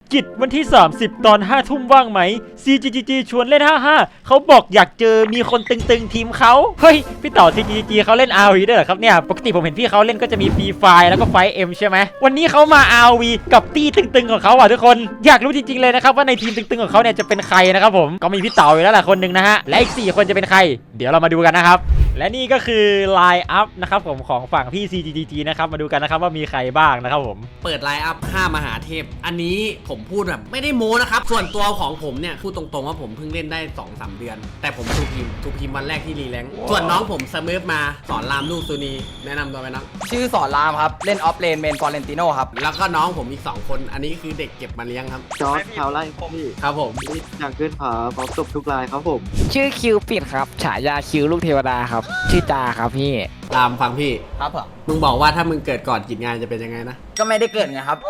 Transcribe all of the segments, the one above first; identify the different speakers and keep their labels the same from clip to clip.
Speaker 1: กิจวันที่30ตอน5ทุ่มว่างไหม CGG ชวนเล่น55เขาบอกอยากเจอมีคนตึงๆทีมเขาเฮ้ยพี่ต่อ CGG เขาเล่น RV ด้วยเหรอครับเนี่ยปกติผมเห็นพี่เขาเล่นก็จะมี Free Fire แล้วก็ Fight M ใช่ไหมวันนี้เขามา RV กับตี้ตึงๆของเขาอ่ะทุกคนอยากรู้จริงๆเลยนะครับว่าในทีมตึงๆของเขาเนี่ยจะเป็นใครนะครับผมก็มีพี่เต่าอยู่แล้วแหละคนหนึ่งนะฮะและอีก4คนจะเป็นใครเดี๋ยวเรามาดูกันนะครับและนี่ก็คือไลน์อัพนะครับผมของฝั่งพี่ CGG นะครับมาดูกันนะครับว่ามีใครบ้างนะครับผม
Speaker 2: เปิดไลน์อัพ5มหาเทพอันนี้ผมพูดแบบไม่ได้โม้นะครับส่วนตัวของผมเนี่ยพูดตรงๆว่าผมเพิ่งเล่นได้ 2-3 เดือนแต่ผมทูพิมวันแรกที่รีแลงส่วนน้องผมสมิร์ฟมาสอนรามลูกซูนีแนะนำตัวไหมน้อง
Speaker 3: ชื่อสอนรามครับเล่นออฟเลนเมนฟอร์เรนติโนครับ
Speaker 2: แล้วก็น้องผมอีก2คนอันนี้คือเด็กเก็บมาเลี้ยงครับ
Speaker 4: จอร์จชาวไร่พี่
Speaker 2: ครับผม
Speaker 4: นี่อยากขึ้นผาพร้อมจบทุกรายครับผม
Speaker 5: ชื่อคิวปิดครับฉายาคิวลูกเทวดาครับชื่อจาครับพี่
Speaker 2: รามฟังพี่
Speaker 3: ครับผม
Speaker 2: มึงบอกว่าถ้ามึงเกิดก่อนกิจงานจะเป็นยังไงนะ
Speaker 3: ก็ไม่ได้เกิดไงครับ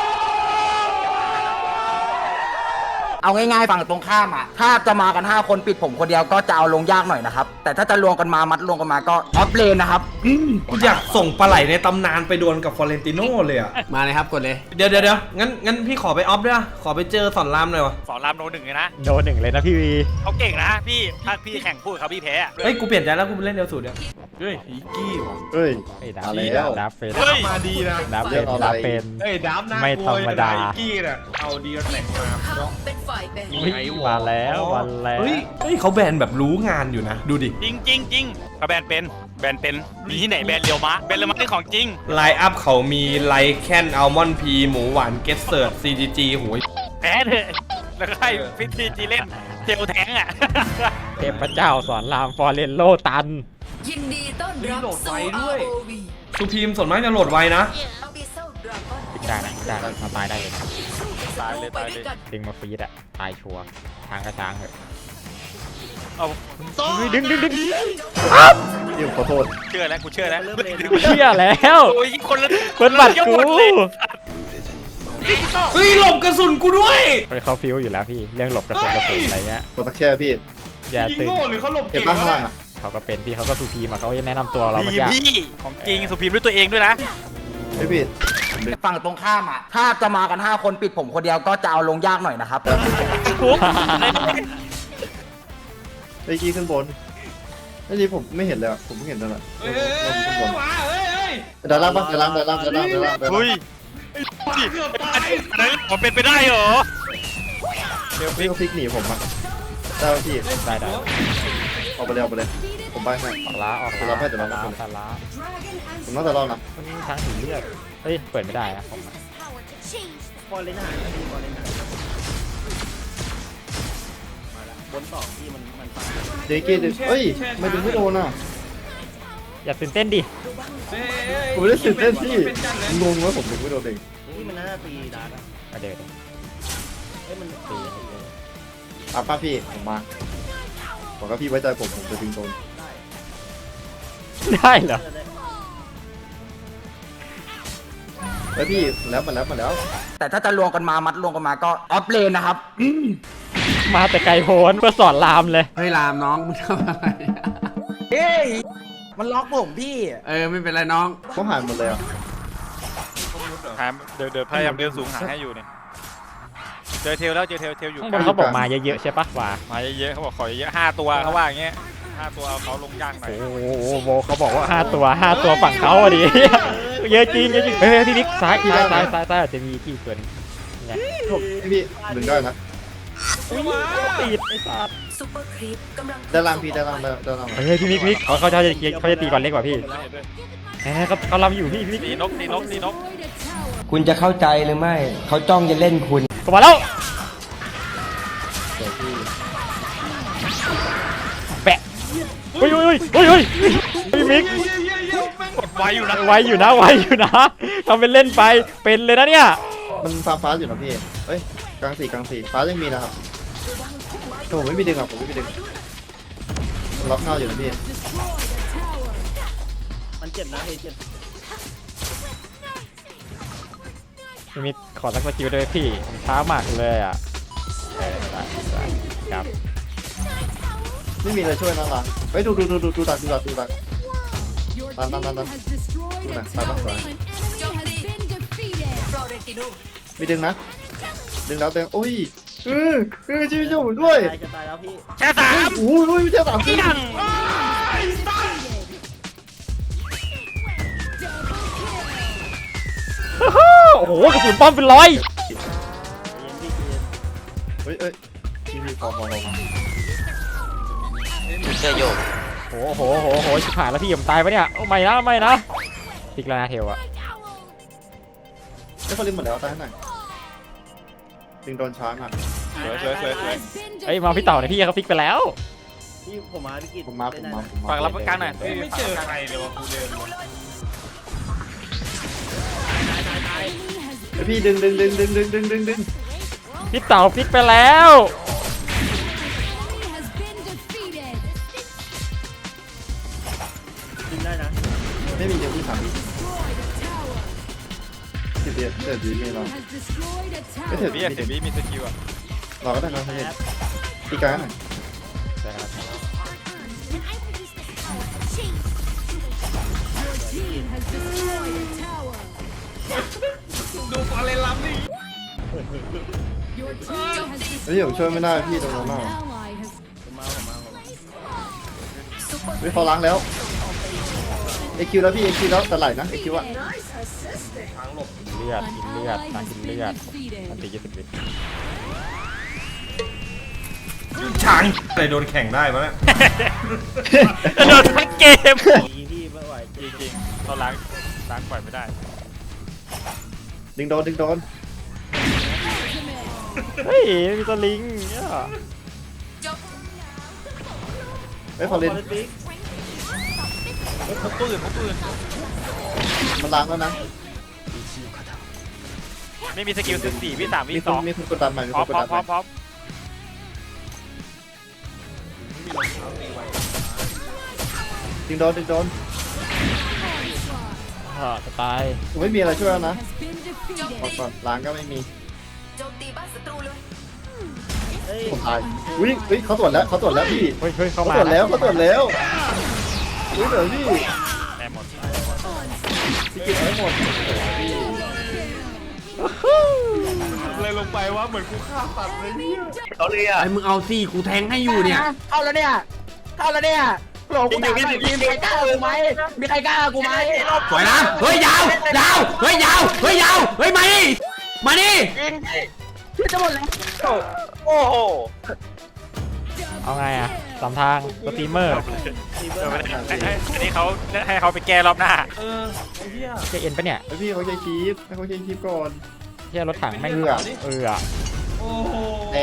Speaker 3: เอาง่ายๆฝั่งตรงข้ามอ่ะถ้าจะมากัน5คนปิดผมคนเดียวก็จะเอาลงยากหน่อยนะครับแต่ถ้าจะรวมกันมามัดรวมกันมาก็ออฟเลนนะครับ
Speaker 6: กูอยากส่งปลาไหลในตำนานไปดวลกับฟอเรนติโน่เลยอ่ะ
Speaker 2: มาเลยครับกดเลย
Speaker 6: เดี๋ยวงั้นพี่ขอไปออฟด้วยอะขอไปเจอสอนรามหน่อยวะ
Speaker 7: สอนรามโนหนึ่งเลยนะ
Speaker 1: โดนหนึ่งเลยนะพี่วี
Speaker 7: เขาเก่งนะพี่ถ้าพี่แข่งพูดเขาพี่แพ้อะ
Speaker 6: เฮ้ยกูเปลี่ยนใจแล้วกูไปเล่นเดียวสูตรเนี่ยเฮ้ยอีกี้ว่ะ
Speaker 4: เฮ้ย
Speaker 1: ไอ้ดับ
Speaker 4: มาแล้ว
Speaker 1: ดับเป็น
Speaker 7: เฮ้ย
Speaker 6: มาดีนะ
Speaker 1: ดับเป็นดับเป็น
Speaker 6: เฮ้ยดับน่า
Speaker 1: ไม่
Speaker 6: กลัว
Speaker 1: ธรรมดา
Speaker 6: อีกี้น่ะเอาดีแหลกมาเนาะ
Speaker 1: อุ๊ยมาแล้วมาแล้ว
Speaker 6: เฮ้ยเขาแบนแบบรู้งานอยู่นะดูดิ
Speaker 7: จริงจริงจริงเขาแบนเป็นมีที่ไหนแบนเรียวมะแบนเรียวมะนี่ของจริง
Speaker 6: ไลน์อัพเขามีไลแคนอัลมอนด์พีหมูหวานเกสเซิร์ต CGG โหย
Speaker 7: แพ้เถอะแล้วก็ให้พิธีจีเล่นเทลแทงอ่ะ
Speaker 1: เทพเจ้าสอนรามฟอร์เรนโลตัน
Speaker 8: ยินดีต้อนรับ
Speaker 6: โหลดไว
Speaker 8: สู่
Speaker 6: ด้วย
Speaker 8: ROV
Speaker 6: สุพีมส่วนมากจะโหลดไวนะ
Speaker 8: Abyssal Dragon
Speaker 1: ปิดได้นะได้นะมาตายได้เลย
Speaker 7: ตายเลยตายเลย
Speaker 1: ดึงมาฟรีดอะตายชัวร์ทางกระช้างเหอะ
Speaker 7: เอา
Speaker 1: เฮ้ยดึง
Speaker 4: พี่ขอโทษ
Speaker 7: เชื่อแล้วกูเชื่อแล้ว
Speaker 1: เชื่อแล้ว
Speaker 7: โอ้ยคนละ
Speaker 1: เปิดบัตรกู
Speaker 7: ยกหมดเลย
Speaker 6: เฮ้ยหลบกระสุนกูด้วย
Speaker 1: เขาฟิวอยู่แล้วพี่เรื่องหลบกระสุนอะไรเงี้ย
Speaker 4: กดตะแค่พี่
Speaker 1: อย่า
Speaker 6: ยิง
Speaker 1: ตื่น
Speaker 6: โง่หรือเขาหลบ
Speaker 4: เห็น
Speaker 6: เก่ง
Speaker 4: บ้างข้างล่าง
Speaker 6: วะ
Speaker 4: อ่ะ
Speaker 1: เขาก็เป็นพี่เขาก็สูพีมาเขาจะแนะนำตัวเราเมื่อ
Speaker 7: ดี
Speaker 1: กี้
Speaker 7: พี่ของจริงสุพีมด้วยตัวเองด้วยนะ
Speaker 4: ไม่ผิด
Speaker 3: ฝั่งตรงข้ามอ่ะถ้าจะมากัน5คนปิดผมคนเดียวก็จะเอาลงยากหน่อยนะครับ
Speaker 7: ทุก
Speaker 4: ไอ้กี้ขึ้นบนไอ้นี่ผมไม่เห็นเลยอ่ะผมไม่เห็นเลยอ่ะ
Speaker 6: เฮ้ย
Speaker 4: ขึ้นบน
Speaker 6: มาเฮ้ย
Speaker 4: ดาราปะดารา
Speaker 7: เฮ้ยผมเป็นไปได้เหรอ
Speaker 4: พี่ก็พลิกหนีผมอ่ะได้พี่
Speaker 1: ได้
Speaker 4: ออกไปเลยผมไปให้
Speaker 1: ออกล้าออก
Speaker 4: เดี๋ยวเราให้เดี๋ยวเราให้
Speaker 1: ตาล้า
Speaker 4: ผมน่าจะรอดนะ
Speaker 1: มันมีทั้งสีเลือดเฮ้ยเปิดไม่ได้นะผม
Speaker 4: เด็กกี้เฮ้ยไม่ดึงไม่โดนอ่ะ
Speaker 1: อย่าตื่นเต้นดิ
Speaker 4: ผมไม่ได้ตื่นเต้นพี่งงว่าผมดึงไม่โดนเอง
Speaker 1: มาเดินตี
Speaker 4: ป้าพี่ผมมาบอกว่าพี่ไว้ใจผมจะดึงโดน
Speaker 1: ได้เหรอ
Speaker 4: เฮ้ยพี่แล้วมาแล้ว
Speaker 3: แต่ถ้าจะรวมกันมามัดรวมกันมาก็ออฟเลนนะครับ
Speaker 1: มาแต่ไกลโพ้นเพื่อสอนรามเลย
Speaker 2: เฮ้ยรามน้องมึงทำอะไร
Speaker 3: เฮ้ยมันล็อกผมพี่
Speaker 2: ไม่เป็นไรน้อง
Speaker 4: เขาหายหมดเลยอ่ะ
Speaker 7: หาเดินพยายามเดินสูงหาให้อยู่เนี่ยเจอเทลแล้วเจอเทลอยู่
Speaker 1: ข้างบนเขาบอกมาเยอะๆใช่ปะวะ
Speaker 7: มาเยอะๆเขาบอกขอเยอะ5ตัวเขาว่าอย่างเงี้ย5ตัวเอาเขาลงย่างหน่อย
Speaker 1: โอ้โหเขาบอกว่า5ตัวฝั่งเขาอะดิเยอะจริงเฮ้ยพี่บิ๊กซ้ายอาจจะมีที่ส่วนไง
Speaker 4: พี่ดึงได้นะ
Speaker 1: ติดไอ้สัตว์
Speaker 8: ซุปเปอร์ครีปกำลัง
Speaker 4: ด้านล่างพี่ด้านล่าง
Speaker 1: เฮ้ยพี่บิ๊กเขาจะตีก่อนเล็กกว่าพี่เขาลำอยู่พี่บิ๊ก
Speaker 7: ตีนก
Speaker 9: คุณจะเข้าใจหรือไม่ เขาจ้องจะเล่นคุณ
Speaker 1: ก็มาแล้วแปะเฮ้ยพี่บิ๊ก
Speaker 7: กดไว้อยู่นะ
Speaker 1: ไวอยู่นะทำเป็นเล่นไปเป็นเลยนะเนี่ย
Speaker 4: มันฟ้าอยู่นะพี่เฮ้ยกลางสี่ฟ้ายังมีนะครับผมไม่มีดึงอ่ะผมไม่มีดึงล็อกเงาอยู่นะพี่
Speaker 1: พี่บิ๊กขอสักสกิลด้วยพี่ช้ามากเลยอ่ะได้ครับ
Speaker 4: ไม่มีอะไรช่วยนะล่ะเฮ้ยดูตักดูตักตันดูนะตายปะสวย
Speaker 8: โจมตีฟลอเรนติโน
Speaker 4: มีดึงนะดึงแล้วโอ้ยช่วยผมด้วย
Speaker 7: แค่สาม
Speaker 4: โอ้ยเจ้าสามจริง
Speaker 1: โอ้โหกระสุนป้อมเป็นร้อย
Speaker 4: เฮ้ยพี่พอ
Speaker 1: โอ้โหชิบหายแล้วพี่ผมตายปะเนี่ยโอ้ไม่นะติกแล้วนะเทลอะ
Speaker 4: ไม่เขาลิมหมดแล้วตายให้หน่อยดึงโดนช้างอ่ะ
Speaker 7: สวย
Speaker 1: เอ้ยมาพี่เต่าเนี่ยพี่เขาฟิกไปแล้ว
Speaker 4: ผมมา
Speaker 7: ฝากรับกลางหน่อยไม่เจอใครเลยวะกูเดิน
Speaker 4: พี่ดึง
Speaker 1: พี่เต่าฟิกไปแล้ว
Speaker 4: ไม่มีเดี๋ยวพี่ถามพี่เดี๋ยวดีไม่รอไม่ถึง
Speaker 7: พี่เดี๋ยวพี่มีสกิลอ่ะ
Speaker 4: รอก็ได้นะพี่ตีกลางหน่อย
Speaker 6: ดูฟอร์เรนลัมดิ
Speaker 4: เฮ้ยผมช่วยไม่ได้พี่ตรงนั้นน่ะเฮ้ยเขาล้างแล้วเอคิวแล้วพี่เอคิวแล้วแต่ไหลนะเอคิวอะ
Speaker 1: เลือดตากินเลือดอันตี20 วิ
Speaker 6: ช้างอะไรโดนแข่งได้มั้ยเนี่ย
Speaker 1: โดนทั้งเกม
Speaker 7: จริงๆเขาล้างปล่อยไม่ได้
Speaker 4: ดึงโดน
Speaker 1: เฮ้ยมีตัวลิงเนี่ย
Speaker 4: เฮ้ยเขาเล่น
Speaker 7: พกปืน
Speaker 4: มันล้างแล้วนะ
Speaker 7: ไม่มีสกิล14วิ3วิ
Speaker 4: มีคนกดดันใหม่
Speaker 7: พร้อม
Speaker 4: ดึงโดน
Speaker 1: จะตาย
Speaker 4: ผมไม่มีอะไรช่วยแล้วนะก่อนล้างก็ไม่มี
Speaker 8: โจมตีบ้านศัตรูเลย
Speaker 4: ผมตายอุ้ยเขาตรวจแล้วพี่
Speaker 1: เฮ้ยเข้า
Speaker 4: เขา
Speaker 1: มา
Speaker 4: ตรวจแล้วอุ้ยเหลือพี่
Speaker 7: แม่หมด
Speaker 4: พี่กินให้หมด
Speaker 6: เลยลงไปว่าเหมือนกูฆ่าสัตว์เลยเนี่ย
Speaker 2: ไอ้มึงเอาสิกูแทงให้อยู่เนี่ย
Speaker 3: เข้าแล้วเนี่ยโหลกูด่าหน่อยทีมมีใครกล้ากูไหมมีใครกล้ากูไหม
Speaker 2: สวยนะเฮ้ยยาวเฮ้ยมาดิ
Speaker 3: พี่จะหมดแล้ว
Speaker 1: เอาไงอะสามทางสตรีมเมอร์
Speaker 7: อันนี้เขาให้เขาไปแก้รอบหน้า
Speaker 1: จะเอ็นปะเนี่ย
Speaker 4: ไอพี่เขาใช้คีฟให้เขาใช้คีฟก่อน
Speaker 1: เที่ยรถถังแม่ง
Speaker 4: เอื้อ
Speaker 6: โอ้โห
Speaker 4: แต่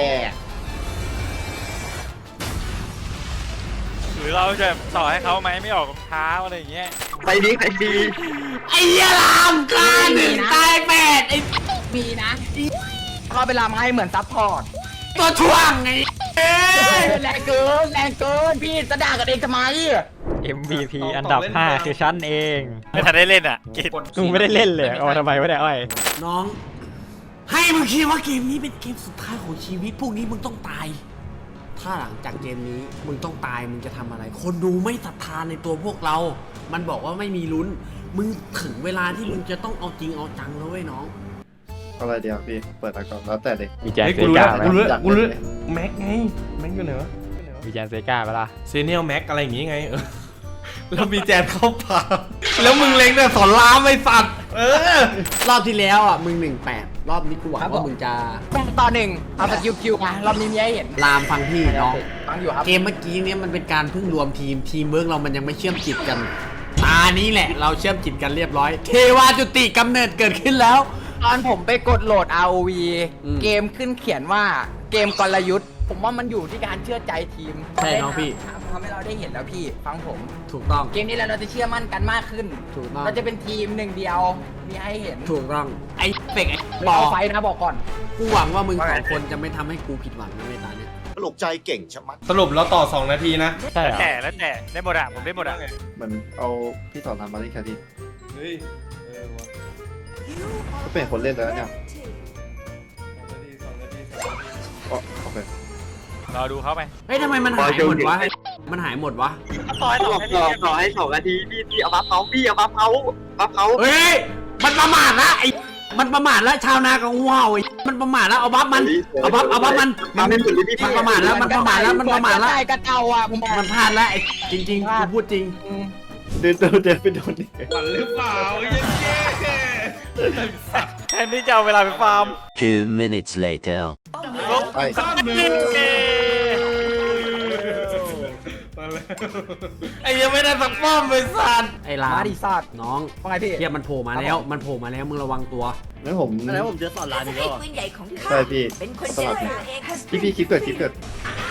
Speaker 7: หรือเราจะต่อให้เขาไหมไม่ออกรองเท้าอะไรอย่างเงี้ย
Speaker 3: ไปดี
Speaker 2: ไอ้เหี้ยลามกล้า1 ตาย 8ไอ้
Speaker 3: มีนะเขาไปรำให้เหมือนซัพพอร์ต
Speaker 2: ตัวช่วงไง
Speaker 3: แรงเกินพี่จะด่ากันเองทำไม
Speaker 1: MVP อันดับ 5 คือฉันเอง
Speaker 7: ไม่ทันได้เล่นอ่ะกิน
Speaker 1: กูไม่ได้เล่นเลยเอามาทำไมวะเนี่ยอ้อย
Speaker 2: น้อง ให้มึงคิดว่าเกมนี้เป็นเกมสุดท้ายของชีวิตพวกนี้มึงต้องตาย ถ้าหลังจากเกมนี้มึงต้องตายมึงจะทำอะไร คนดูไม่ศรัทธานในตัวพวกเรา มันบอกว่าไม่มีลุ้น มึงถึงเวลาที่มึงจะต้องเอาจริงเอาจังแล้วเว้ยน้อง
Speaker 4: อะไรเดียวพี่เปิดก่อนแล้วแต่เด็ก
Speaker 1: มีแจน
Speaker 6: เฮ้ย
Speaker 1: เซ
Speaker 6: กูรู้
Speaker 1: กา
Speaker 6: แล้ว
Speaker 1: ไหม
Speaker 6: กูรู้แม็กไงแม็กอยู่ไหนวะ
Speaker 1: มีแจนเซกาไหมล่ะ
Speaker 6: เซเนียลแม็กอะไรอย่างงี้ไงแล้วมีแจนเข้าป่าแล้วมึงเล็งแต่สอนรามไอ้สัตว์
Speaker 2: รอบที่แล้วอ่ะมึง18รอบนี้กูหวังว่ามึงจะ
Speaker 3: ต่อหนึ่งเอาสกิลคิวมารอบนี้มีให้เห็น
Speaker 2: ลามฟังพี่น้อง
Speaker 3: ฟังอยู่ครับ
Speaker 2: เกมเมื่อกี้เนี่ยมันเป็นการเพิ่งรวมทีมเวิร์กเรามันยังไม่เชื่อมจิตกัน ตานี้แหละเราเชื่อมจิตกันเรียบร้อย เทวาจุติกำเนิดเกิดขึ้นแล้ว
Speaker 3: ตอนผมไปกดโหลด ROV
Speaker 2: อืม
Speaker 3: เกมขึ้นเขียนว่าเกมกลยุทธ์ ผมว่ามันอยู่ที่การเชื่อใจทีม
Speaker 2: ใช่น้องพี่
Speaker 3: ทำให้เราได้เห็นแล้วพี่ฟังผม
Speaker 2: ถูกต้อง
Speaker 3: เกมนี้เราจะเชื่อมั่นกันมากขึ้น
Speaker 2: ถูกต้อง
Speaker 3: เราจะเป็นทีมหนึ่งเดียวมีให้เห็น
Speaker 2: ถูกต้องไอ้เป็กไอ้
Speaker 3: บบ อ
Speaker 2: อ
Speaker 3: ไฟนะบอกก่อน
Speaker 2: กูหวังว่ามึงสองคนจะไม่ทำให้กูผิดหวังนะเวลาเนี้ย
Speaker 4: ปลุกใจเก่งชะมัด
Speaker 6: สรุปเราต่อ2 นาทีนะ
Speaker 1: ใช่เหรอ
Speaker 7: แล้วแต่ได้หมดอ่ะผมได้หมดอ่ะ
Speaker 4: เหมือนเอาพี่สอนรามมาเล่นแครี่
Speaker 6: เฮ้ย
Speaker 4: ก็เป็นคนเล่นแล้วเนี่ยโอเค
Speaker 7: รอดูเขาไป
Speaker 2: เฮ้ยทำไมมันหายหมดวะมันหายหมดวะ
Speaker 7: ต่อให้2 นาที
Speaker 2: เฮ้ยมันประมาทละไอ้มันประมาทละชาวนากับงูเห่าไอ้มันประมาทแล้วเอาบัฟมันเอาบัฟมัน
Speaker 4: มาไม่หมดเลยพี่
Speaker 2: มันประมาทแล้วมันประมาทแล้วมันประมาทแล้ว
Speaker 3: ได้กันเอาอ่ะผม
Speaker 2: มันพลาดแล้วไอ้จริงๆกูพูดจริง
Speaker 4: เดินไปโดนนี่
Speaker 6: มันหรือเปล่าเย้
Speaker 7: แทนที่จะเอาเวลาไปฟาร์ม
Speaker 10: 2 minutes later.
Speaker 4: ไป
Speaker 6: ไอ้ยังไม่ได้สักป้อมไปสัตว์
Speaker 2: ไอ้ลา
Speaker 3: มาดิซาด
Speaker 2: น้อง
Speaker 3: ว่าไงพี่
Speaker 2: เทียบมันโผล่มาแล้วมันโผล่มาแล้วมึงระวังตัว
Speaker 4: งั้นผม
Speaker 8: ให้ปืนใหญ่ของข้า
Speaker 4: ใช่พี่
Speaker 8: เป็นคน
Speaker 4: ส
Speaker 8: เจ
Speaker 4: ลั
Speaker 8: ร
Speaker 4: บ
Speaker 8: จาเอง
Speaker 4: พี่คลิปเกิด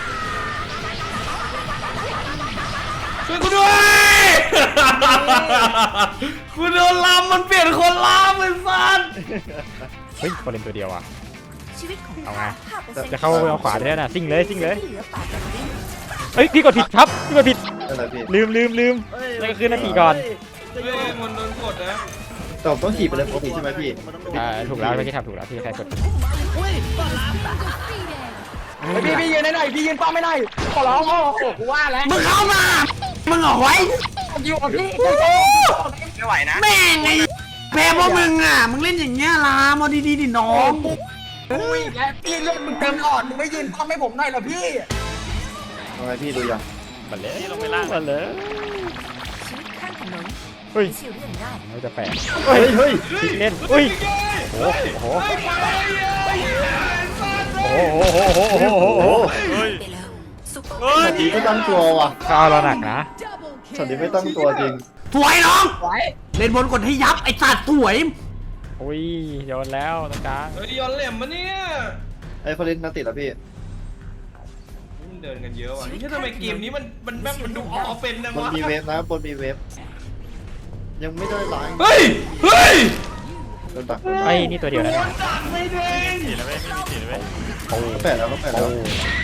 Speaker 6: ช่วยกูด้วย กูโดนลามมันเปลี่ยนคนลามไปสัตว์
Speaker 1: เฮ้ยคนเล่นตัวเดียวอ่ะ
Speaker 8: ชีวิตของ
Speaker 1: เอาไง
Speaker 8: ข้า5%
Speaker 1: จะเข้าไปเอาขวาได้แล้วนะซิ่งเลยซิ่งเลย
Speaker 8: ที่เหลือปากแบบนี้
Speaker 1: เฮ้ยพี่กดผิดครับพี่กดผิด
Speaker 4: อะไรพี่
Speaker 1: ลืมนั่นก็คือนาทีก่อน
Speaker 6: เฮ้ยมันโดนกดนะ
Speaker 4: แต่ผมต้องขี่ไปเลยปกติใช่ไหมพี่
Speaker 1: ถูกแล้วพี่ทำถูกแล้วพี่แค่กด
Speaker 3: พี่ยืนได้หน่อยพี่ยืนป้อมไม่ได้ขอร้องโอ้โหกูว่าแล้ว
Speaker 2: มึงเข้ามามึงเอาไว้
Speaker 3: อยู่กับพี่ไม่ไหวนะ
Speaker 2: แม่งไอ้แพ้เพราะมึงอ่ะมึงเล่นอย่างเงี้ยลามเอาดีๆดิน้อง
Speaker 3: อุ้ยและพี่เลือดมึงเต็มหลอดมึงไม่ยืนป้อมให้ผมหน่อยเหรอพี่
Speaker 4: ทำไมพี่ดูยัง
Speaker 1: มาเลยลงไปล่างมาเลย
Speaker 8: ชีวิตข้างถนน
Speaker 1: เฮ้ย
Speaker 8: ไม่ใช่เรื่องง่าย
Speaker 1: ไม่จะแปลก
Speaker 4: เฮ้ย
Speaker 1: พลิกเล่นอุ้ยโอ้โหโอ้โห
Speaker 7: เฮ้ย
Speaker 8: ไปแล้วซุปเปอร์
Speaker 7: เฮ้ย
Speaker 4: ดีไม่ตั้งตัวว่ะ
Speaker 1: ข้าวเราหนักนะ
Speaker 4: ช็อตนี้ไม่ตั้งตัวจริง
Speaker 2: ถวยน้อง
Speaker 3: ไหว
Speaker 2: เล่นบนกดให้ยับไอ้สัตว์ถวย
Speaker 1: อุ้ยโยนแล้วตรงกลาง
Speaker 6: เฮ้ยย้อนเหลี่ยมมาเนี่ย
Speaker 4: ไอ้ฟอร์เรนนัดติดแล้วพี่
Speaker 6: มึงเดินกันเยอะว่ะนี่ทำไมเกมนี้มันแบบมันดูออกเป็นนะ
Speaker 4: บน
Speaker 6: วะ
Speaker 4: มีเวฟนะบนมีเวฟยังไม่ได้ล้าง
Speaker 6: เฮ้ยเฮ้ย
Speaker 4: โดนตัก
Speaker 1: ไอ้นี่ตัวเดียวนะ
Speaker 6: ดักไม่ได้
Speaker 7: สีแล้วไม่มีสีแล้ว
Speaker 1: โอ้
Speaker 4: ก็แปดแล้ว
Speaker 7: สวย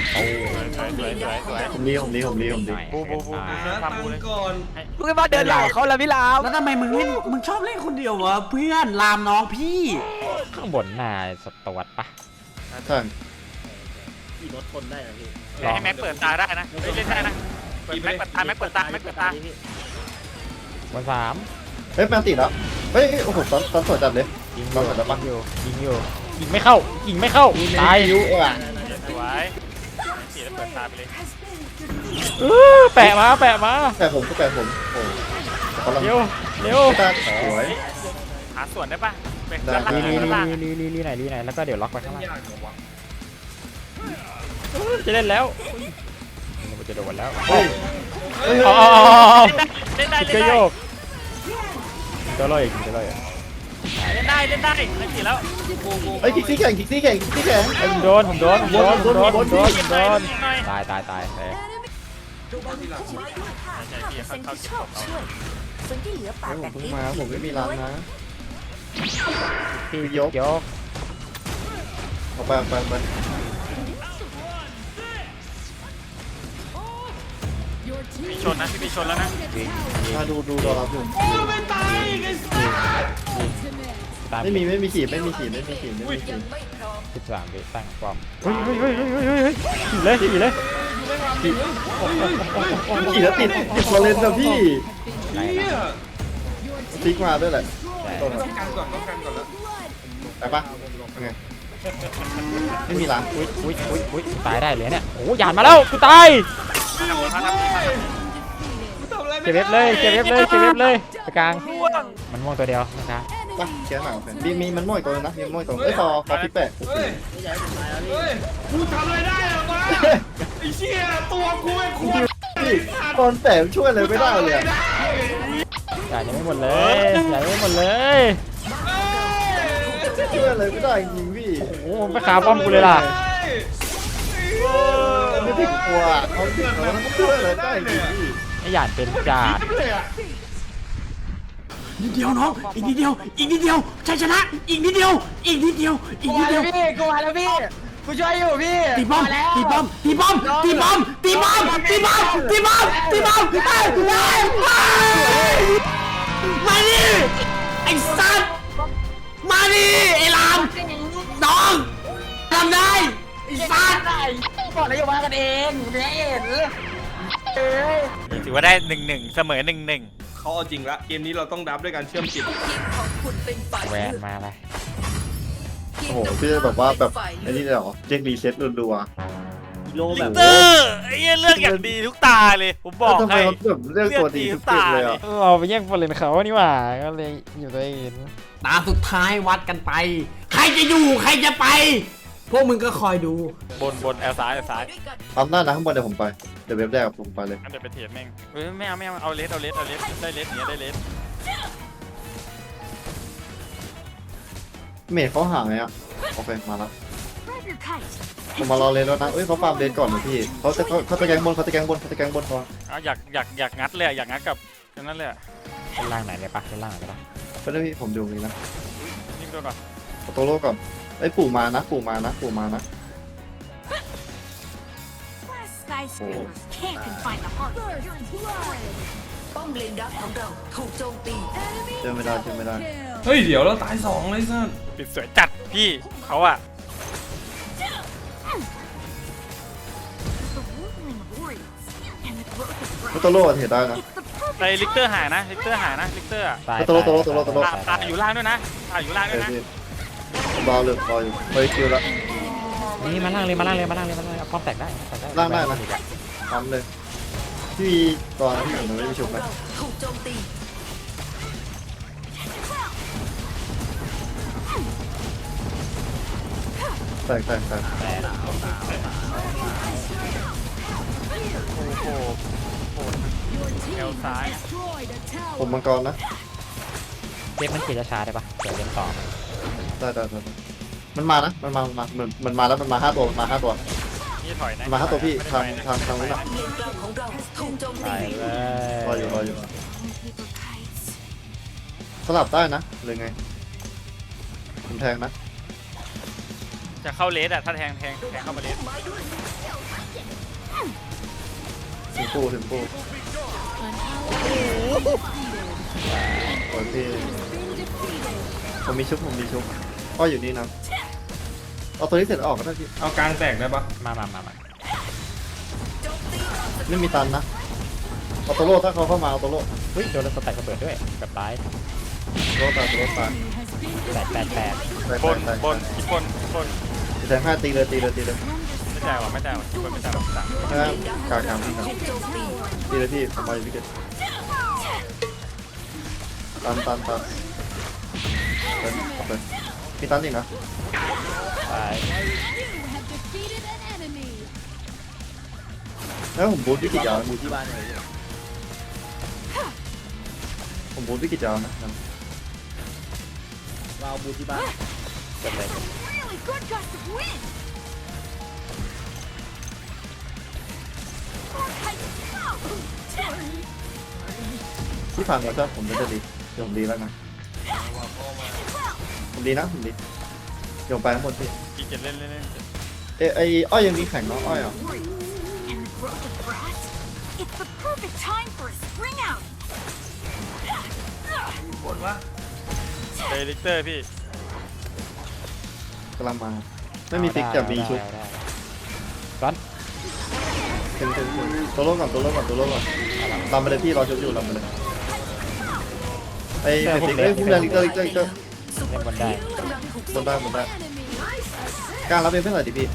Speaker 4: ผมรี
Speaker 7: บู
Speaker 6: นะตังก่อน
Speaker 5: มึงมาเดินหลังเขาแล้วพี่ลาม
Speaker 2: แล้วทำไมมึงชอบเล่นคนเดียววะเพื่อนลามน้องพี่
Speaker 1: ข้างบนน่าสตวัดปะ
Speaker 4: ใช่
Speaker 7: ให้แม็กเปิดตาได้นะเล่นได้นะเปิดแม็กเปิดตาแม็กเปิดตาแม็กเปิดตา
Speaker 1: บนสาม
Speaker 4: เฮ้ยแมนติดแล้วเฮ้ยโอ้โหตันสวยจัดเลย
Speaker 1: ยิงอ
Speaker 4: เรา
Speaker 1: ยู่
Speaker 4: สวยแล้วปะ
Speaker 1: ยิงไม่เข้าตาย
Speaker 4: คิวอ่ะ
Speaker 7: สวยสีแล้วเปิดตาไปเลย
Speaker 1: แปะมา
Speaker 4: แปดผมโอ้กำลัง
Speaker 1: เร็ว
Speaker 4: ตาสวย
Speaker 7: หาส่วนได้ปะเป็น
Speaker 1: ลีไหนแล้วก็เดี๋ยวล็อกไปข้างล่างจะเล่นแล้วมันจะโดนแล้ว
Speaker 4: เฮ้ย
Speaker 1: อ๋อ
Speaker 7: เล่นได้
Speaker 1: ก็โยกจะลอยอีก
Speaker 7: เล่นได้ไม่สีแล้ว
Speaker 4: เฮ้ยคิกซี่แข่ง
Speaker 1: ผมโดนตายเลย
Speaker 8: ชีวิตของข้า5%ที่ชอบช่วยส่วนที่เหลือปาก
Speaker 4: ผม
Speaker 8: แบบ
Speaker 4: เพิ่ง
Speaker 8: นี้
Speaker 4: มาผมไม่มีร้านนะ
Speaker 1: พี่
Speaker 4: ยก
Speaker 1: ยก
Speaker 4: ออกไป
Speaker 7: มีชนนะพี่มีชนแล้วนะ
Speaker 4: มาดูรอรับอยู่
Speaker 1: ตาย
Speaker 4: ไม่มีขีด
Speaker 8: ยังไม่พร้อม
Speaker 1: 13วิตั้งป้อมเฮ้ยขี่เลย
Speaker 4: ขีดแล้วติดฟอร์เรนนะพี่
Speaker 1: ได้
Speaker 4: ซิกมาด้วยแหละ
Speaker 6: ต้องกันก่อนแล้ว
Speaker 4: ไปปะไงไม่มีร้าน
Speaker 1: อุ้ยตายได้เลยเนี่ยโอ้ยานมาแล้วกูตายเก็บเว็บเลยไปกลางมันม่วงตัวเดียวนะครับ
Speaker 4: ปะแกหนาวมีมันม่อยตัวนะมีม่อยตัวเอ้ยฟอร์ที่แปด
Speaker 6: เฮ้ยกูทำอะไรได้หรอวะไอ้เชี่ยตัวกูไอ้ควร
Speaker 4: ตอนแต่ช่วยอะไรไม่ได้เลย
Speaker 1: จ่ายยังไม่หมดเลย
Speaker 4: ช่วยอะไรไม่ได้จริงพี่
Speaker 1: โอ้ไม่ขาป้อมกูเลยล่ะ
Speaker 4: ไม่ถึงกลัวเขาถึงเขาช่วยอะไรได้จริงพี่
Speaker 1: ไอ้หยานเป็นจ่า
Speaker 2: นิดเดียวน้องอีกนิดเดียวชัยชนะอีกนิดเดียว
Speaker 3: พี่กูมาแล้วพี่กูช่วยอยู่พี่
Speaker 2: ตีป้อมมาดิไอ้สัตว์มาดิไอ้ลามน้องทำได้ไอ้สัตว์
Speaker 3: ก่อนนายมากันเองเนี่ยเห็น
Speaker 7: ถือว่าได้1-1เสมอ1-1
Speaker 6: เขาเอาจริงละเกมนี้เราต้องดับด้วยการเชื่อมจิต
Speaker 8: ทีมของคุณเป็นฝ่าย
Speaker 1: แวน
Speaker 8: เลือก
Speaker 1: มาเลย
Speaker 8: ที
Speaker 4: โอ้โหพี่แบบว่าแบบไอ้นี่เลยเหรอเรียกรีเซ็ตรัว
Speaker 7: ลิกเตอร์ไอ้เหี้ยเลือกอย่างดีทุกตาเลยผม
Speaker 4: ๆ
Speaker 7: บอก
Speaker 4: ทำไม
Speaker 7: ให้
Speaker 4: เขาแบบเรื่องตัวดีทุกเกมเลยอ่ะ
Speaker 5: เราไปแย่งฟอร์เรนเขานี่หว่าก็เลยอยู่ตัวเอง
Speaker 2: ตาสุดท้ายวัดกันไป ใครจะอยู่ใครจะไป พวกมึงก็คอยดู
Speaker 7: บนแอลซ้ายแอลซ้าย
Speaker 4: ตามหน้านะข้างบนเดี๋ยวผมไปเดี๋ยวเว็บแรกผมไปเลย
Speaker 7: งั้นเดี๋ยวไปเทียบแม่งเฮ้ยไม่เอาเลสได้เลสเนี้ยได้เลส
Speaker 4: เมทเขาห่างไงอ่ะโอเคมาแล้วผมมารอเลนแล้วนะเอ้ยเขาฟาร์มเลนก่อนนะพี่เขาจะแกงบนก่อน
Speaker 7: อยากงัดเลยอยากงัดกับนั่นเลย
Speaker 1: ด้านล่างไหนเลยปะด้านล่างไหนเลยปะ
Speaker 4: ก็ได้พี่ผมดูนี้นะ
Speaker 7: นิ่งตัวก่อน
Speaker 4: เอาตัวโลก่อนไอ้ยปู่มานะ
Speaker 8: Can't confine the heart. First blood. ป้อมเลนดักของเราถูกโจมตี
Speaker 4: เจอไม่ได้
Speaker 6: เฮ้ยเดี๋ยวเราตาย2เลยสัส
Speaker 7: ปิดสวยจัดพี่เขาอะ
Speaker 8: The ruling of warriors and the growth of
Speaker 4: ก็ตัวโลเทรดได้นะ
Speaker 7: ไอ้ลิกเตอร์หายนะลิกเตอร์อะ
Speaker 1: ตาย
Speaker 4: ตัวโล
Speaker 7: ตาอยู่ล่างด้วยนะอยู่ล่างด้วยนะ
Speaker 4: รออยู่เฮ้ยคิวแล้ว
Speaker 1: นี่มาล่างเลยเอาป้อมแตกได้
Speaker 4: ล่างได้นะทำเลยพี่ตอนที่ผมไม่ได้ชุบไหม
Speaker 8: ถูกโจมตี
Speaker 4: แตก
Speaker 7: โอ้โหแอลซ้าย
Speaker 4: ผมมังกรนะ
Speaker 1: เรียกมันเขียนช้าๆได้ปะเดี๋ยวเล่นต่อ
Speaker 4: ได้มันมานะมันมาแล้วมันมา5 ตัว
Speaker 7: นี่ถอยนะ
Speaker 4: มา5 ตัวพี่ทางนู้นนะ
Speaker 8: ป้อมเลนกลางของเราถูกโจม
Speaker 1: ไป
Speaker 8: ตี
Speaker 1: เลย
Speaker 4: รออยู่สลับได้นะหรือไงผมแทงนะ
Speaker 7: จะเข้าเลสอะถ้าแทงเข้ามาเลส
Speaker 4: ถึงปูโอเคผมมีชุบก็อยู่นี่นะเอาตัวนี้เสร็จออกก็ได้พี่
Speaker 6: เอากลางแตกได้ปะ
Speaker 1: มา
Speaker 4: ไม่มีตันนะเอาตัวโลถ้าเขาเข้ามาเอาตัวโล
Speaker 1: เฮ้ยโดนสแต็กระเบิดด้วยแบบตาย
Speaker 4: ตัวโลตาย
Speaker 1: 8
Speaker 7: บนอีกคน
Speaker 4: แทง5ตีเลย
Speaker 7: ไม่จ่ายหรอกไม่จ่ายหรอกสั่ง
Speaker 4: กลางพี่ครับ
Speaker 8: ถูกโจมตี
Speaker 4: ตีเลยพี่ผมมาอยู่พี่เกตตันมีตันอีกนะ
Speaker 1: ตาย
Speaker 4: แล้วผมบูทพี่กิจยาวบูทที่บ้านเลยผมบูทพี่กิจยาวนะเราบูทที่บ้าน
Speaker 1: เกิดอะไร
Speaker 8: Really good gust of wind.
Speaker 4: ที่ผ่านมาครับผมจะดีเดี๋ยวผมดีแล้วนะผมดีเดี๋ยวไปทั้งหมดพี่
Speaker 7: พี่เจ็ดเล่น
Speaker 4: ไอ้อ้อยยังมีแข่งเนาะอ้อยอ่ะ
Speaker 8: And the growth of grass. It's the perfect time for a spring out.
Speaker 7: ไอ้ลิกเตอร์พี่
Speaker 4: กำลังมาไม่มีฟิกจะมีชุด
Speaker 1: ร้อน
Speaker 4: ถึงตัวโลก่อนลำไปเลยพี่รอชุดอยู่ลำไปเลยไอ้ฟิกไอ้ผู้ใหญ่ลิกเตอร์
Speaker 1: เล่นบนได้
Speaker 4: บนได้กลางรับเป็นเพื่อนหน่อยดิพี่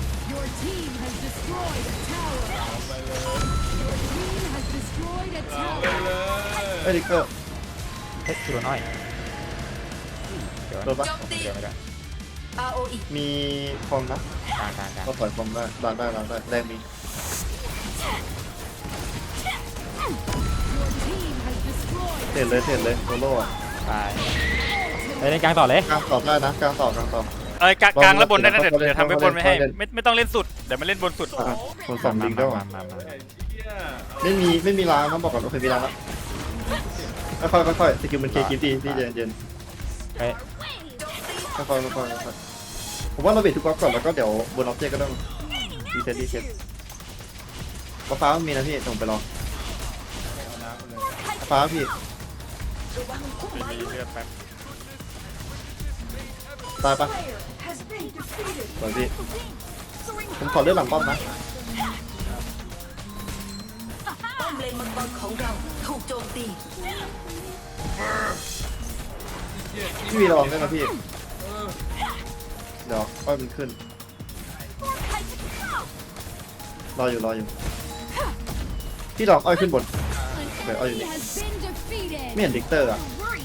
Speaker 4: ไอ้ลิกเตอร์
Speaker 1: เฮ้ยคือน้อยเดี๋ยว
Speaker 4: โดนปะ
Speaker 1: เดี๋ยวไม่ได้
Speaker 8: ROE
Speaker 4: มีฟองนะ
Speaker 1: กลาง
Speaker 4: ก็ถอยฟองได้ดันได้แรงมี เสร็จเลยโซโล่
Speaker 1: ตายไปเล่นกลางต่อเลย
Speaker 4: กลางต่อได้นะกลางต่อ
Speaker 7: เอ้ยกลางแล้วบนได้นะเดี๋ยวทำให้บนไม่ให้ไม่ต้องเล่นสุดเดี๋ยวมาเล่นบนสุด
Speaker 4: คนสองลิงด้วย
Speaker 1: มา
Speaker 4: ไม่มีล้างนะบอกก่อนโอเคมีล้างแล้วค่อยสกิลมันเคกิฟดีพี่เย็น
Speaker 1: เฮ้ย
Speaker 4: ค่อยผมว่าเราเบรกทุกกอล์ฟก่อนแล้วก็เดี๋ยวบนออบเจกต์ก็ต้องรีเซ็ตฟ้ามันมีนะพี่ส่งไปรอฟ้าพี่
Speaker 7: มีเลือดแป๊บ
Speaker 4: ตายปะสวยพี่ผมขอเลือดหลังป้อมนะ
Speaker 8: ป้อมเลนมังกรของเราถูกโจมตี
Speaker 4: พี่วีระวังด้วยนะพี่เดี๋ยวอ้อยมันขึ้น รออยู่พี่ลองอ้อยขึ้นบนเดี๋ยวอ้อยอยู่นี่ไม่เห็นดิกเตอร์อ่ะ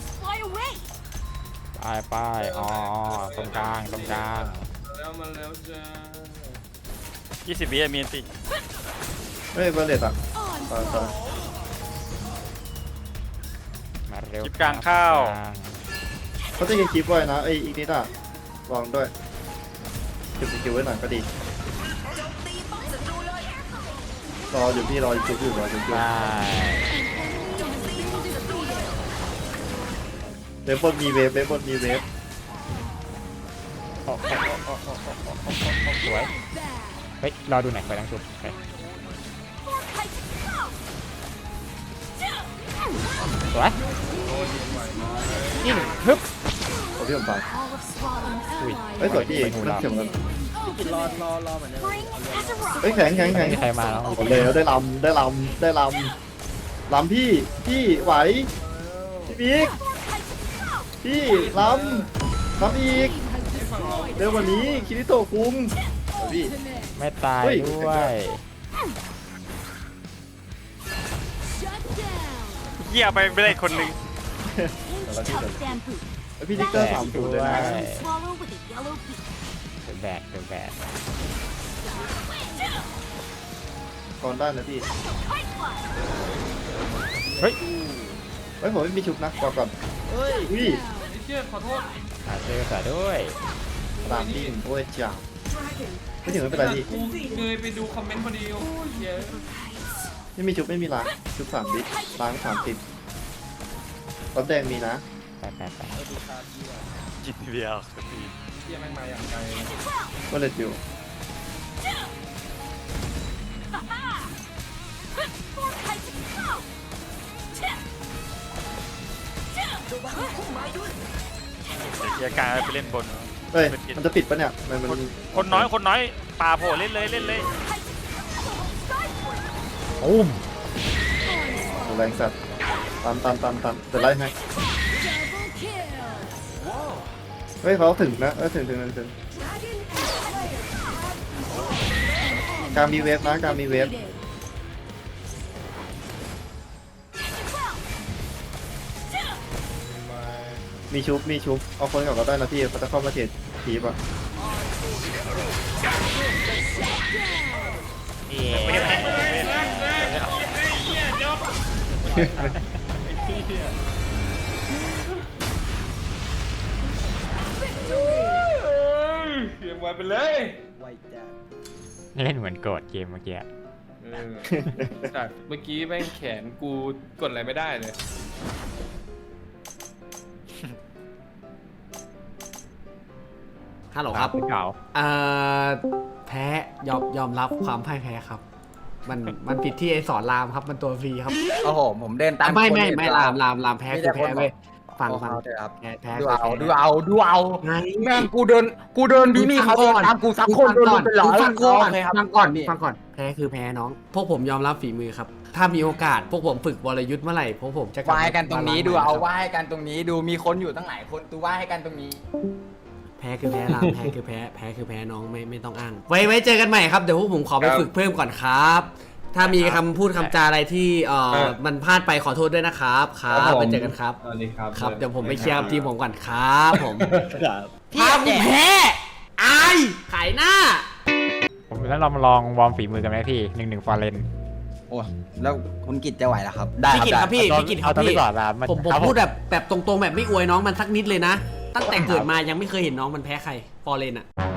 Speaker 1: ไปอ๋อตรงกลาง
Speaker 6: แล้วมาแล้วจ้า
Speaker 7: 20 วิมีนติ
Speaker 4: เฮ้ยเบอร์เลตอ่ะตาย
Speaker 1: มาเร็ว
Speaker 7: คลิปกลางข้าว
Speaker 4: เขาจะยิงคลิปไว้นะไอ้อีกนิดอ่ะลองด้วยเก็บสกิลไว้หน่อยก็ดีรออยู่พี่รออยู่รออยู่
Speaker 1: ได้
Speaker 4: เว็บบนมีเวฟ
Speaker 1: สวยเฮ้ยรอดูหน่อยไปตั้งชุดโอเคสวยยิงฮึบ
Speaker 4: โอ้พี่ผมตาย
Speaker 1: อุ้ย
Speaker 4: เฮ้ยสวยพี่
Speaker 1: ไปหู
Speaker 4: นั่
Speaker 1: เรา
Speaker 4: งเฉียบกัน
Speaker 5: รอเหมือนเดิม
Speaker 4: เฮ้ยแข็ง
Speaker 1: ไม่มีใครมาแล้ว
Speaker 4: หมดเลยได้ลำพี่ไหวพี่บิ๊กพี่ลำอีกเร็วกว่านี้คิริโตะคุงพี่
Speaker 1: ไม่ตาย
Speaker 4: เฮ้ย
Speaker 1: ด้วย
Speaker 7: เหี้ยไปไม่ได้คนหนึ่ง
Speaker 4: ไอพี่ดิกเตอร์30เลยนะ
Speaker 1: เดอะแบก
Speaker 4: ก่อนได้นะพี่
Speaker 1: เฮ้ย
Speaker 4: ผมไม่มีชุบนะก่อนอุ้ย
Speaker 6: ไอ้เชี่ยขอโทษ
Speaker 1: หาเจอสาด้วย
Speaker 4: ตามดิ้งโอ้ยจ้าไม่ถึงไม่เป็นไรพี่
Speaker 6: กูเคยไปดูคอมเมนต์พอดีโอ้ยเหี้ย
Speaker 4: ไม่มีชุบไม่มีล้างชุบ3 ดิล้าง30รถแดงมีนะ
Speaker 1: ไป
Speaker 7: กินเดียว
Speaker 6: เหี้ยแม่งมาอย่างไกล
Speaker 4: ก็เลยอยู่
Speaker 7: เดี๋ยวกลางไปเล่นบน
Speaker 4: เฮ้ยมันจะปิดปะเนี่ยมัน
Speaker 7: คนน้อยป่าโผล่เล่นเลย
Speaker 1: อุ้ม
Speaker 4: แรงสัตว์ตามจะไล่ให้เฮ้ยเขาถึงนะถึงการมีเวฟนะการมีเวฟมีชุบเอาคนกลับก็ได้นะพี่เขาจะเข้ามาเทรดทีป่ะ
Speaker 6: เขียนไว้ไปเลย
Speaker 1: เล่นเหมือนโกรธเกมเมื่อกี้
Speaker 6: จากเมื่อกี้แม่งแขนกูกดอะไรไม่ได้เลย
Speaker 2: ฮัลโหลครับ
Speaker 1: เก่า
Speaker 2: แพ้ยอมรับความพ่ายแพ้ครับ มันผิดที่ไอ้สอนรามครับมันตัวฟรีครับ
Speaker 3: โอ้โหผมเดินตาม
Speaker 2: ไม่ลามแพ้คือแพ้เว้ยฟัง
Speaker 3: เถอะครับ
Speaker 2: แพ้
Speaker 3: ดู
Speaker 2: คือ
Speaker 3: เอา
Speaker 2: แพ้
Speaker 3: ดูเอา
Speaker 2: ไง
Speaker 3: แม่งกูเดินพี่เขาเดินตามกูซักคนโดนเป็นร้อย
Speaker 2: ฟังก่อน
Speaker 3: โเคครับ
Speaker 2: ฟังก่อนแพ้คือแพ้น้อง พวกผมยอมรับฝีมือครับ ถ้ามีโอกาสพวกผมฝึกวรยุทธ์เมื่อไหร่พวกผมจะกลับ
Speaker 3: ไหว้กันตรงนี้ดู
Speaker 2: ม
Speaker 3: เอา
Speaker 2: ครับ
Speaker 3: ไหว้กันตรงนี้ดูมีคนอยู่ตั้งหลายคนตูไหว้ให้กันตรงนี้
Speaker 2: แพ้คือแพ้ลามแพ้คือแพ้น้องไม่ต้องอ้างไว้เจอกันใหม่ครับเดี๋ยวพวกผมขอไปฝึกเพิ่มก่อนครับ ถ้ามีคำพูดคำจาอะไรที่มันพลาดไปขอโทษด้วยนะครับไปเจอกันครับ
Speaker 6: สวัสดีครับ
Speaker 2: ครับเดี๋ยวผมไปเชียร์ทีมผมก่อนครับผม
Speaker 3: พี่
Speaker 2: ถ้าผมแพ้อายขายหน้า
Speaker 1: ผมแล้วเรามาลองวอร์มฝีมือกันไหมพี่1-1ฟอร์เรน
Speaker 3: โอ้แล้วคุณกิจจะไหวเหรอครับได้
Speaker 2: พี่กิตครับพี่กิตครับ
Speaker 1: เอาตอน
Speaker 2: พี่
Speaker 1: นี้ก่อนละมัน
Speaker 2: ผมพูดแบบตรงๆแบบไม่อวยน้องมันสักนิดเลยนะ ตั้งแต่เกิดมายังไม่เคยเห็นน้องมันแพ้ใครฟอร์เรนอะ